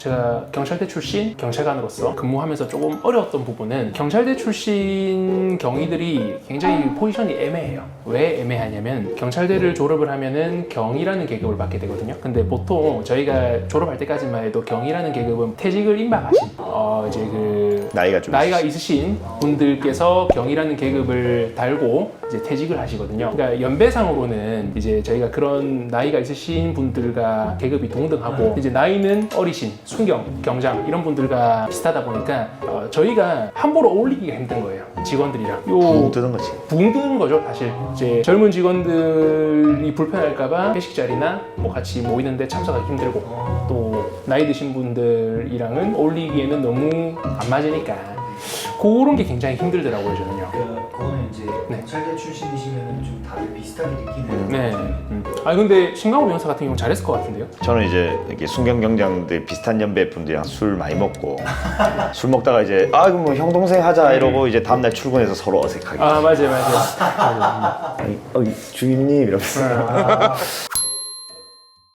제가 경찰대 출신 경찰관으로서 근무하면서 조금 어려웠던 부분은 경찰대 출신 경위들이 굉장히 포지션이 애매해요. 왜 애매하냐면 경찰대를 졸업을 하면은 경이라는 계급을 받게 되거든요. 근데 보통 저희가 졸업할 때까지만 해도 경이라는 계급은 퇴직을 임박하신 이제 그 나이가 있으신 분들께서 경이라는 계급을 달고 이제 퇴직을 하시거든요. 그러니까 연배상으로는 이제 저희가 그런 나이가 있으신 분들과 계급이 동등하고 이제 나이는 어리신 순경, 경장 이런 분들과 비슷하다 보니까 저희가 함부로 어울리기가 힘든 거예요. 직원들이랑. 붕 뜨는 거지. 붕 뜨는 거죠, 사실. 이제 젊은 직원들이 불편할까봐 회식 자리나 뭐 같이 모이는데 참석하기 힘들고 또 나이 드신 분들이랑은 어울리기에는 너무 안 맞으니까 그런 게 굉장히 힘들더라고요, 저는요. 그거는 이제 경찰대 출신이시면 좀 다들 비슷하게 느끼는. 네. 아 근데 신강호 변호사 같은 경우는 잘했을 것 같은데요? 저는 이제 이렇게 순경 경장들 비슷한 연배 분들이랑 술 많이 먹고 술 먹다가 이제 그럼 뭐 형 동생 하자 이러고 이제 다음날 출근해서 서로 어색하게. 아 맞아요. 아니, 주임님 이러면서.